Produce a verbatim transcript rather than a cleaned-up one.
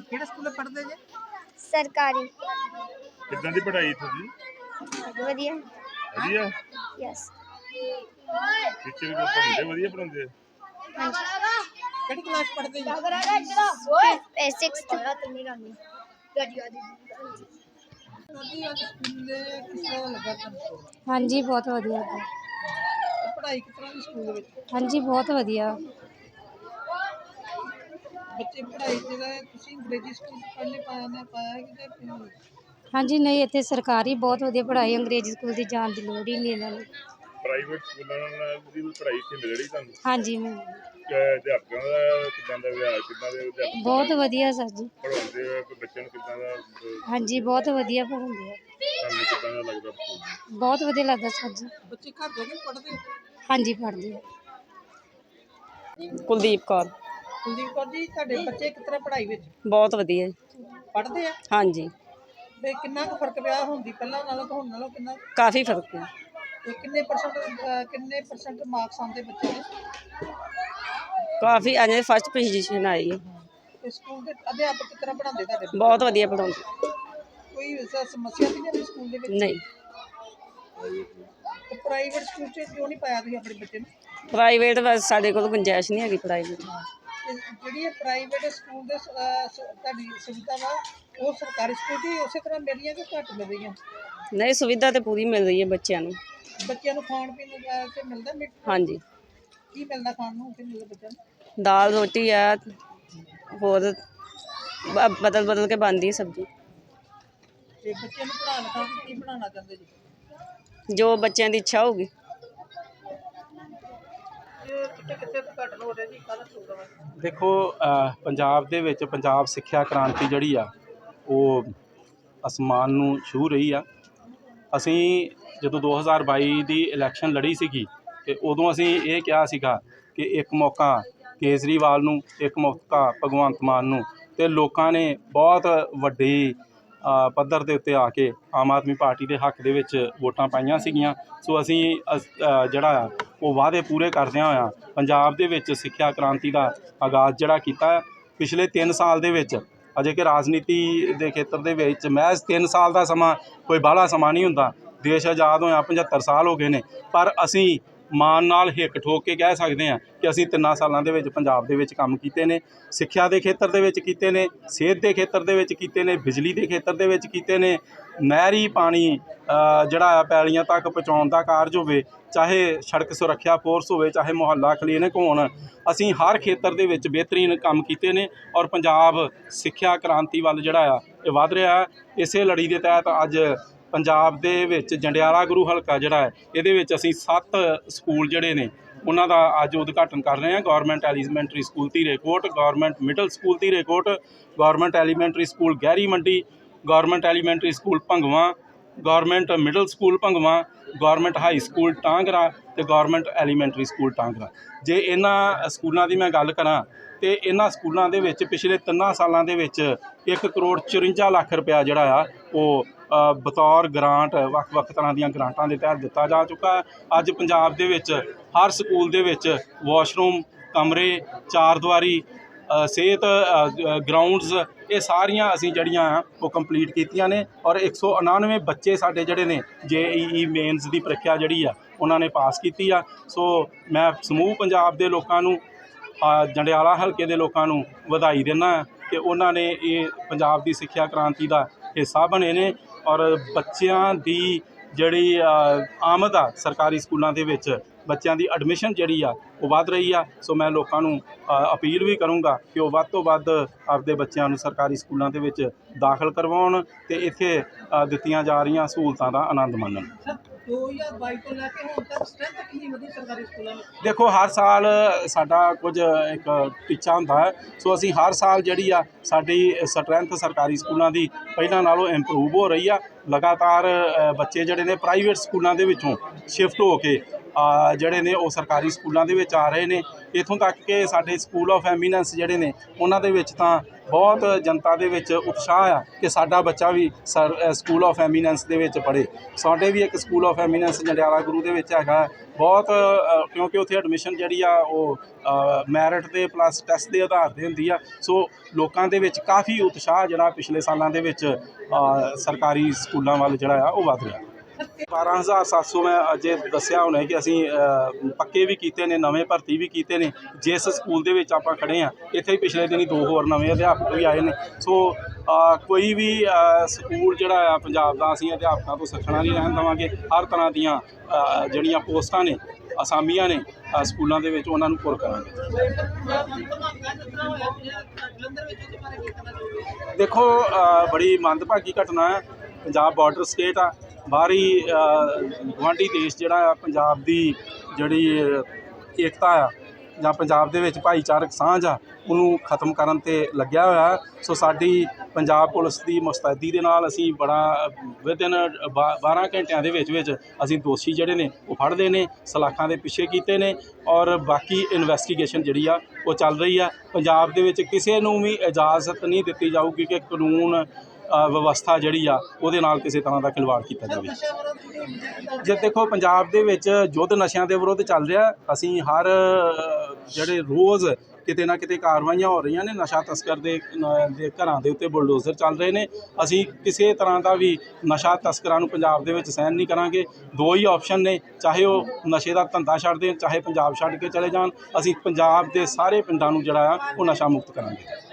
ਕਿਹੜੇ ਸਕੂਲ ਪੜ੍ਹਦੇ ਜੇ? सरकारी। ਕਿੱਦਾਂ ਦੀ ਪੜ੍ਹਾਈ ਇੱਥੋਂ ਦੀ? ਵਧੀਆ। ਵਧੀਆ। यस। ਟੀਚਰ ਪੜ੍ਹਾਉਂਦੇ ਵਧੀਆ ਪੜ੍ਹਾਉਂਦੇ? ਹਾਂਜੀ। ਕਿਹੜੀ ਕਲਾਸ ਪੜ੍ਹਦੇ ਜੀ? सिक्स्थ। ਸਕੂਲ ਦੇ ਕਿਸ ਤਰ੍ਹਾਂ ਦਾ ਲੱਗਾ ਤੁਹਾਨੂੰ? हाँ जी बहुत वधिया। ਪੜ੍ਹਾਈ ਕਿਸ ਤਰ੍ਹਾਂ ਦੀ ਸਕੂਲ ਦੇ ਵਿੱਚ? हाँ जी बहुत वधिया। ਬੱਚੇ ਪੜ੍ਹਾਈ ਜਿਹੜਾ ਤੁਸੀਂ ਅੰਗਰੇਜ਼ੀ ਸਕੂਲ ਪੜ੍ਹਨੇ ਪਾਇਆ ਨਾ ਪਾਇਆ ਕਿ ਜਾਂ हाँ जी नहीं इत्थे सरकारी बहुत वधिया पढ़ाई अंग्रेजी स्कूल की जान की लोड़ ही नहीं इन्हां नूं। ਪ੍ਰਾਈਵੇਟ ਸਕੂਲਾਂ ਨਾਲ ਦੀ ਵੀ ਪੜ੍ਹਾਈ ਇੱਥੇ ਮਿਲ ਰਹੀ ਤੁਹਾਨੂੰ? हाँ जी मैं ਅਧਿਆਪਕਾਂ ਦਾ ਕਿੱਦਾਂ ਦਾ ਵਿਹਾਰ, ਕਿੱਦਾਂ ਦੇ ਅਧਿਆਪਕ बहुत वधिया सर जी। ਪੜ੍ਹਾਉਂਦੇ ਆ ਕੋਈ ਬੱਚਿਆਂ ਨੂੰ ਕਿੱਦਾਂ ਦਾ ਅਹ, हाँ जी बहुत वधिया पढ़ाउंदे आ। ਤੁਹਾਨੂੰ ਕਿੱਦਾਂ ਦਾ ਲੱਗਦਾ ਸਕੂਲ? बहुत वधिया लगदा सर जी। ਬੱਚੇ ਘਰ ਜਾ ਕੇ ਪੜ੍ਹਦੇ ਹੋ? हाँ जी पढ़दे आ। ਕੁਲਦੀਪ ਕੌਰ। ਕੁਲਦੀਪ ਕੌਰ ਜੀ, ਤੁਹਾਡੇ ਬੱਚੇ ਕਿਸ ਤਰ੍ਹਾਂ ਪੜ੍ਹਾਈ ਵਿੱਚ ਬਹੁਤ ਵਧੀਆ ਜੀ। ਪੜ੍ਹਦੇ ਆ? ਹਾਂਜੀ ਤੇ ਕਿੰਨਾ ਕੁ ਫਰਕ ਪਿਆ ਹੁੰਦੀ ਪਹਿਲਾਂ ਨਾਲੋਂ ਤੇ ਹੁਣ ਨਾਲੋਂ ਕਿੰਨਾ? ਕਾਫੀ ਫਰਕ ਹੈ। ਤੇ ਕਿੰਨੇ ਪਰਸੈਂਟ ਕਿੰਨੇ ਪਰਸੈਂਟ ਮਾਰਕਸ ਆਉਂਦੇ ਬੱਚੇ ਦੇ? ਕਾਫੀ ਅਜੇ ਫਸਟ ਪੋਜੀਸ਼ਨ ਆਈ ਹੈ। ਤੇ ਸਕੂਲ ਦੇ ਅਧਿਆਪਕ ਕਿਸ ਤਰ੍ਹਾਂ ਪੜ੍ਹਾਉਂਦੇ ਤੁਹਾਡੇ? ਬਹੁਤ ਵਧੀਆ ਪੜਾਉਂਦੇ। ਕੋਈ ਐਸਾ ਸਮੱਸਿਆ ਨਹੀਂ ਆਉਂਦੀ ਸਕੂਲ ਦੇ ਵਿੱਚ? ਨਹੀਂ ਤੇ ਪ੍ਰਾਈਵੇਟ ਸਕੂਲ 'ਚ ਕਿਉਂ ਨਹੀਂ ਪਾਇਆ ਤੁਸੀਂ ਆਪਣੇ ਬੱਚੇ ਨੂੰ? ਪ੍ਰਾਈਵੇਟ ਬਸ ਸਾਡੇ ਕੋਲ ਗੁੰਜਾਇਸ਼ ਨਹੀਂ ਹੈਗੀ ਪੜ੍ਹਾਈ ਦੀ। ਤੇ ਜਿਹੜੀ ਇਹ ਪ੍ਰਾਈਵੇਟ ਸਕੂਲ ਦੇ ਸ- ਅਹ ਸ- ਤੁਹਾਡੀ ਸੁਵਿਧਾ ਵਾ ਉਹ ਸਰਕਾਰੀ ਸਕੂਲ 'ਚ ਹੀ ਉਸੇ ਤਰ੍ਹਾਂ ਮਿਲ ਰਹੀਆਂ ਕਿ ਘੱਟ ਮਿਲ ਰਹੀਆਂ? ਨਹੀਂ ਸੁਵਿਧਾ ਤਾਂ ਪੂਰੀ ਮਿਲ ਰਹੀ ਹੈ ਬੱਚਿਆਂ ਨੂੰ। ਬੱਚਿਆਂ ਨੂੰ ਖਾਣ ਪੀਣ ਨੂੰ ਅਹ ਤੇ ਮਿਲਦਾ ਮਿ- ਹਾਂਜੀ ਕੀ ਮਿਲਦਾ ਖਾਣ ਨੂੰ ਉੱਥੇ ਮਿਲਦਾ ਬੱਚਿਆਂ ਨੂੰ? ਦਾਲ ਰੋਟੀ ਆ, ਹੋਰ ਬ- ਬਦਲ ਬਦਲ ਕੇ ਬਣਦੀ ਸਬਜ਼ੀ। ਤੇ ਬੱਚਿਆਂ ਨੂੰ ਪੜ੍ਹਾ ਲਿਖਾ ਕੇ ਕੀ ਬਣਾਉਣਾ ਚਾਹੁੰਦੇ ਜੀ? ਜੋ ਬੱਚਿਆਂ ਦੀ ਇੱਛਾ ਹੋਊਗੀ। ਇਹ ਕਿਤੇ ਕਿਤੇ ਤਾਂ ਘੱਟ ਹੋ ਰਿਹਾ ਜੀ, ਕਾਹਦਾ ਪ੍ਰੋਗਰਾਮ ਹੈ? ਦੇਖੋ ਅ, ਪੰਜਾਬ ਦੇ ਵਿੱਚ ਪੰਜਾਬ ਸਿੱਖਿਆ ਕ੍ਰਾਂਤੀ ਜਿਹੜੀ ਆ ਉਹ ਅਸਮਾਨ ਨੂੰ ਛੂਹ ਰਹੀ ਆ। ਅਸੀਂ ਜਦੋਂ ਦੋ ਹਜ਼ਾਰ ਬਾਈ ਦੀ ਇਲੈਕਸ਼ਨ ਲੜੀ ਸੀਗੀ ਤੇ ਉਦੋਂ ਅਸੀਂ ਇਹ ਕਿਹਾ ਸੀਗਾ ਕਿ ਇੱਕ ਮੌਕਾ ਕੇਜਰੀਵਾਲ ਨੂੰ, ਇੱਕ ਮੌਕਾ ਭਗਵੰਤ ਮਾਨ ਨੂੰ, ਤੇ ਲੋਕਾਂ ਨੇ ਬਹੁਤ ਵੱਡੀ ਅ, ਪੱਧਰ ਦੇ ਉੱਤੇ ਆ ਕੇ ਆਮ ਆਦਮੀ ਪਾਰਟੀ ਦੇ ਹੱਕ ਦੇ ਵਿੱਚ ਵੋਟਾਂ ਪਾਈਆਂ ਸੀਗੀਆਂ। ਸੋ ਅਸੀਂ ਅਸ- ਅ, ਜਿਹੜਾ ਆ ਉਹ ਵਾਅਦੇ ਪੂਰੇ ਕਰਦਿਆਂ ਹੋਇਆਂ ਪੰਜਾਬ ਦੇ ਵਿੱਚ ਸਿੱਖਿਆ ਕ੍ਰਾਂਤੀ ਦਾ ਆਗਾਜ਼ ਜਿਹੜਾ ਕੀਤਾ ਹੈ। ਪਿਛਲੇ ਤਿੰਨ ਸਾਲ ਦੇ ਵਿੱਚ ਅਜੇ ਕਿ ਰਾਜਨੀਤੀ ਦੇ ਖੇਤਰ ਦੇ ਵਿੱਚ ਮਹਿਜ਼ ਤਿੰਨ ਸਾਲ ਦਾ ਸਮਾਂ ਕੋਈ ਬਾਹਲਾ ਸਮਾਂ ਨਹੀਂ ਹੁੰਦਾ। ਦੇਸ਼ ਆਜ਼ਾਦ ਹੋਇਆ ਪਝੱਤਰ ਸਾਲ ਹੋ ਗਏ ਨੇ, ਪਰ ਅਸੀਂ ਮਾਣ ਨਾਲ ਹਿੱਕ ਠੋਕ ਕੇ ਕਹਿ ਸਕਦੇ ਹਾਂ ਕਿ ਅਸੀਂ ਤਿੰਨਾਂ ਸਾਲਾਂ ਦੇ ਵਿੱਚ ਪੰਜਾਬ ਦੇ ਵਿੱਚ ਕੰਮ ਕੀਤੇ ਨੇ। ਸਿੱਖਿਆ ਦੇ ਖੇਤਰ ਦੇ ਵਿੱਚ ਕੀਤੇ ਨੇ, ਸਿਹਤ ਦੇ ਖੇਤਰ ਦੇ ਵਿੱਚ ਕੀਤੇ ਨੇ, ਬਿਜਲੀ ਦੇ ਖੇਤਰ ਦੇ ਵਿੱਚ ਕੀਤੇ ਨੇ, ਨਹਿਰੀ ਪਾਣੀ ਅ, ਜਿਹੜਾ ਆ ਪੈਲੀਆਂ ਤੱਕ ਪਹੁੰਚਾਉਣ ਦਾ ਕਾਰਜ ਹੋਵੇ, ਚਾਹੇ ਸੜਕ ਸੁਰੱਖਿਆ ਫੋਰਸ ਹੋਵੇ, ਚਾਹੇ ਮੁਹੱਲਾ ਕਲੀਨਿਕ ਹੋਣ, ਅਸੀਂ ਹਰ ਖੇਤਰ ਦੇ ਵਿੱਚ ਬਿਹਤਰੀਨ ਕੰਮ ਕੀਤੇ ਨੇ ਔਰ ਪੰਜਾਬ ਸਿੱਖਿਆ ਕ੍ਰਾਂਤੀ ਵੱਲ ਜਿਹੜਾ ਆ ਇਹ ਵੱਧ ਰਿਹਾ। ਇਸੇ ਲੜੀ ਦੇ ਤਹਿਤ ਅੱਜ ਪੰਜਾਬ ਦੇ ਵਿੱਚ ਜੰਡਿਆਲਾ ਗੁਰੂ ਹਲਕਾ ਜਿਹੜਾ ਹੈ ਇਹਦੇ ਵਿੱਚ ਅਸੀਂ ਸੱਤ ਸਕੂਲ ਜਿਹੜੇ ਨੇ ਉਹਨਾਂ ਦਾ ਅੱਜ ਉਦਘਾਟਨ ਕਰ ਰਹੇ ਹਾਂ। Government elementary school Dhirekot, government middle school Dhirekot, government elementary school Gahiri Mandi, government elementary school Bhangwan, government middle school Bhangwan, government high school Tangra ਤੇ ਗੌਰਮੈਂਟ ਐਲੀਮੈਂਟਰੀ ਸਕੂਲ ਟਾਂਗਰਾ। ਜੇ ਇਹਨਾਂ ਸਕੂਲਾਂ ਦੀ ਮੈਂ ਗੱਲ ਕਰਾਂ ਤੇ ਇਹਨਾਂ ਸਕੂਲਾਂ ਦੇ ਵਿੱਚ ਪਿਛਲੇ ਤਿੰਨਾਂ ਸਾਲਾਂ ਦੇ ਵਿੱਚ ਇੱਕ ਕਰੋੜ ਚੁਰੰਜਾ ਲੱਖ ਰੁਪਇਆ ਜਿਹੜਾ ਆ ਉਹ ਅ, ਬਤੌਰ ਗ੍ਰਾਂਟ ਵੱਖ ਵੱਖ ਤਰ੍ਹਾਂ ਦੀਆਂ ਗ੍ਰਾਂਟਾਂ ਦੇ ਤਹਿਤ ਦਿੱਤਾ ਜਾ ਚੁੱਕਾ ਹੈ। ਅੱਜ ਪੰਜਾਬ ਦੇ ਵਿੱਚ ਹਰ ਸਕੂਲ ਦੇ ਵਿੱਚ ਵਾਸ਼ਰੂਮ, ਕਮਰੇ, ਚਾਰ ਦੀਵਾਰੀ, ਅ, ਸਿਹਤ ਗਰਾਊਂਡਸ, ਇਹ ਸਾਰੀਆਂ ਅਸੀਂ ਜਿਹੜੀਆਂ ਆ ਉਹ ਕੰਪਲੀਟ ਕੀਤੀਆਂ ਨੇ ਔਰ ਇੱਕ ਸੌ ਉਣਾਨਵੇਂ ਬੱਚੇ ਸਾਡੇ ਜਿਹੜੇ ਨੇ ਜੇ ਈ ਈ ਮੇਨਸ ਦੀ ਪ੍ਰੀਖਿਆ ਜਿਹੜੀ ਆ ਉਹਨਾਂ ਨੇ ਪਾਸ ਕੀਤੀ ਆ। ਸੋ ਮੈਂ ਸਮੂਹ ਪੰਜਾਬ ਦੇ ਲੋਕਾਂ ਨੂੰ, ਅ, ਜੰਡਿਆਲਾ ਹਲਕੇ ਦੇ ਲੋਕਾਂ ਨੂੰ ਵਧਾਈ ਦਿੰਦਾ ਕਿ ਉਹਨਾਂ ਨੇ ਇਹ ਪੰਜਾਬ ਦੀ ਸਿੱਖਿਆ ਕ੍ਰਾਂਤੀ ਦਾ ਹਿੱਸਾ ਬਣੇ ਨੇ ਔਰ ਬੱਚਿਆਂ ਦੀ ਜਿਹੜੀ ਅ, ਆਮਦ ਆ ਸਰਕਾਰੀ ਸਕੂਲਾਂ ਦੇ ਵਿੱਚ, ਬੱਚਿਆਂ ਦੀ ਐਡਮਿਸ਼ਨ ਜਿਹੜੀ ਆ ਉਹ ਵੱਧ ਰਹੀ ਆ। ਸੋ ਮੈਂ ਲੋਕਾਂ ਨੂੰ ਅ, ਅਪੀਲ ਵੀ ਕਰੂੰਗਾ ਕਿ ਉਹ ਵੱਧ ਤੋਂ ਵੱਧ ਆਪਦੇ ਬੱਚਿਆਂ ਨੂੰ ਸਰਕਾਰੀ ਸਕੂਲਾਂ ਦੇ ਵਿੱਚ ਦਾਖਲ ਕਰਵਾਉਣ ਤੇ ਇੱਥੇ ਅ, ਦਿੱਤੀਆਂ ਜਾ ਰਹੀਆਂ ਸਹੂਲਤਾਂ ਦਾ ਆਨੰਦ ਮਾਣਨ। ਸਰ ਦੋ ਹਜ਼ਾਰ ਬਾਈ ਤੋਂ ਲੈ ਕੇ ਹੁਣ ਤੱਕ ਸਟਰੈਂਥ ਕਿੰਨੀ ਵਧੀ ਸਰਕਾਰੀ ਸਕੂਲਾਂ ਵਿੱਚ? ਦੇਖੋ ਹਰ ਸਾਲ ਸਾਡਾ ਕੁਝ ਇੱਕ ਟੀਚਾ ਹੁੰਦਾ ਹੈ। ਸੋ ਅਸੀਂ ਹਰ ਸਾਲ ਜਿਹੜੀ ਆ ਸਾਡੀ ਸਟਰੈਂਥ ਸਰਕਾਰੀ ਸਕੂਲਾਂ ਦੀ ਪਹਿਲਾਂ ਨਾਲੋਂ ਇੰਪਰੂਵ ਹੋ ਰਹੀ ਆ। ਲਗਾਤਾਰ ਅ, ਬੱਚੇ ਜਿਹੜੇ ਨੇ ਪ੍ਰਾਈਵੇਟ ਸਕੂਲਾਂ ਦੇ ਵਿੱਚੋਂ ਸ਼ਿਫਟ ਹੋ ਕੇ ਅ, ਜਿਹੜੇ ਨੇ ਉਹ ਸਰਕਾਰੀ ਸਕੂਲਾਂ ਦੇ ਵਿੱਚ ਆ ਰਹੇ ਨੇ। ਇੱਥੋਂ ਤੱਕ ਕਿ ਸਾਡੇ ਸਕੂਲ ਆਫ ਐਮੀਨੈਂਸ ਜਿਹੜੇ ਨੇ ਉਹਨਾਂ ਦੇ ਵਿੱਚ ਤਾਂ ਬਹੁਤ ਜਨਤਾ ਦੇ ਵਿੱਚ ਉਤਸ਼ਾਹ ਆ ਕਿ ਸਾਡਾ ਬੱਚਾ ਵੀ ਸਰ ਅ, ਸਕੂਲ ਆਫ ਐਮੀਨੈਂਸ ਦੇ ਵਿੱਚ ਪੜ੍ਹੇ। ਸਾਡੇ ਵੀ ਇੱਕ school of eminence Jandiala Guru ਦੇ ਵਿੱਚ ਹੈਗਾ ਬਹੁਤ, ਅ, ਕਿਉਂਕਿ ਉੱਥੇ ਐਡਮਿਸ਼ਨ ਜਿਹੜੀ ਆ ਉਹ ਮੈਰਿਟ ਦੇ ਪਲੱਸ ਟੈਸਟ ਦੇ ਆਧਾਰ 'ਤੇ ਹੁੰਦੀ ਆ। ਸੋ ਲੋਕਾਂ ਦੇ ਵਿੱਚ ਕਾਫੀ ਉਤਸ਼ਾਹ ਜਿਹੜਾ ਪਿਛਲੇ ਸਾਲਾਂ ਦੇ ਵਿੱਚ ਅ, ਸਰਕਾਰੀ ਸਕੂਲਾਂ ਵੱਲ ਜਿਹੜਾ ਆ ਉਹ ਵੱਧ ਰਿਹਾ। ਬਾਰਾਂ ਹਜ਼ਾਰ ਸੱਤ ਸੌ ਮੈਂ ਅਜੇ ਦੱਸਿਆ ਹੋਣਾ ਕਿ ਅਸੀਂ ਅ, ਪੱਕੇ ਵੀ ਕੀਤੇ ਨੇ, ਨਵੇਂ ਭਰਤੀ ਵੀ ਕੀਤੇ ਨੇ। ਜਿਸ ਸਕੂਲ ਦੇ ਵਿੱਚ ਆਪਾਂ ਖੜ੍ਹੇ ਹਾਂ ਇੱਥੇ ਹੀ ਪਿਛਲੇ ਦਿਨੀ ਦੋ ਹੋਰ ਨਵੇਂ ਅਧਿਆਪਕ ਵੀ ਆਏ ਨੇ। ਸੋ ਅ, ਕੋਈ ਵੀ ਅ, ਸਕੂਲ ਜਿਹੜਾ ਆ ਪੰਜਾਬ ਦਾ ਅਸੀਂ ਅਧਿਆਪਕਾਂ ਤੋਂ ਸੱਖਣਾ ਨਹੀਂ ਰਹਿਣ ਦੇਵਾਂਗੇ। ਹਰ ਤਰ੍ਹਾਂ ਦੀਆਂ ਅ, ਜਿਹੜੀਆਂ ਪੋਸਟਾਂ ਨੇ, ਅਸਾਮੀਆਂ ਨੇ ਅ, ਸਕੂਲਾਂ ਦੇ ਵਿੱਚ ਉਹਨਾਂ ਨੂੰ ਪੁਰ ਕਰਾਂਗੇ। ਦੇਖੋ ਅ, ਬੜੀ ਮੰਦਭਾਗੀ ਘਟਨਾ ਹੈ। ਪੰਜਾਬ ਬਾਰਡਰ ਸਟੇਟ ਆ, ਬਾਹਰੀ ਗੁਆਂਢੀ ਦੇਸ਼ ਜਿਹੜਾ ਆ ਪੰਜਾਬ ਦੀ ਜਿਹੜੀ ਏਕਤਾ ਆ ਜਾਂ ਪੰਜਾਬ ਦੇ ਵਿੱਚ ਭਾਈਚਾਰਕ ਸਾਂਝ ਆ ਉਹਨੂੰ ਖਤਮ ਕਰਨ 'ਤੇ ਲੱਗਿਆ ਹੋਇਆ। ਸੋ ਸਾਡੀ ਪੰਜਾਬ ਪੁਲਿਸ ਦੀ ਮੁਸਤੈਦੀ ਦੇ ਨਾਲ ਅਸੀਂ ਬੜਾ ਵਿਦਿਨ ਬਾਰਾਂ ਘੰਟਿਆਂ ਦੇ ਵਿੱਚ ਵਿੱਚ ਅਸੀਂ ਦੋਸ਼ੀ ਜਿਹੜੇ ਨੇ ਉਹ ਫੜਦੇ ਨੇ, ਸਲਾਖਾਂ ਦੇ ਪਿੱਛੇ ਕੀਤੇ ਨੇ ਔਰ ਬਾਕੀ ਇਨਵੈਸਟੀਗੇਸ਼ਨ ਜਿਹੜੀ ਆ ਉਹ ਚੱਲ ਰਹੀ ਆ। ਪੰਜਾਬ ਦੇ ਵਿੱਚ ਕਿਸੇ ਨੂੰ ਵੀ ਇਜਾਜ਼ਤ ਨਹੀਂ ਦਿੱਤੀ ਜਾਊਗੀ ਕਿ ਕਾਨੂੰਨ ਵਿਵਸਥਾ ਜਿਹੜੀ ਆ ਉਹਦੇ ਨਾਲ ਕਿਸੇ ਤਰ੍ਹਾਂ ਦਾ ਖਿਲਵਾੜ ਕੀਤਾ ਜਾਵੇ। ਜੇ ਦੇਖੋ ਪੰਜਾਬ ਦੇ ਵਿੱਚ ਯੁੱਧ ਨਸ਼ਿਆਂ ਦੇ ਵਿਰੁੱਧ ਚੱਲ ਰਿਹਾ। ਅਸੀਂ ਹਰ ਜਿਹੜੇ ਰੋਜ਼ ਕਿਤੇ ਨਾ ਕਿਤੇ ਕਾਰਵਾਈਆਂ ਹੋ ਰਹੀਆਂ ਨੇ। ਨਸ਼ਾ ਤਸਕਰ ਦੇ ਦੇ ਘਰਾਂ ਦੇ ਉੱਤੇ ਬੁਲਡੋਜ਼ਰ ਚੱਲ ਰਹੇ ਨੇ। ਅਸੀਂ ਕਿਸੇ ਤਰ੍ਹਾਂ ਦਾ ਵੀ ਨਸ਼ਾ ਤਸਕਰਾਂ ਨੂੰ ਪੰਜਾਬ ਦੇ ਵਿੱਚ ਸਹਿਣ ਨਹੀਂ ਕਰਾਂਗੇ। ਦੋ ਹੀ ਆਪਸ਼ਨ ਨੇ, ਚਾਹੇ ਉਹ ਨਸ਼ੇ ਦਾ ਧੰਦਾ ਛੱਡ ਦੇਣ, ਚਾਹੇ ਪੰਜਾਬ ਛੱਡ ਕੇ ਚਲੇ ਜਾਣ। ਅਸੀਂ ਪੰਜਾਬ ਦੇ ਸਾਰੇ ਪਿੰਡਾਂ ਨੂੰ ਜਿਹੜਾ ਆ ਉਹ ਨਸ਼ਾ ਮੁਕਤ ਕਰਾਂਗੇ।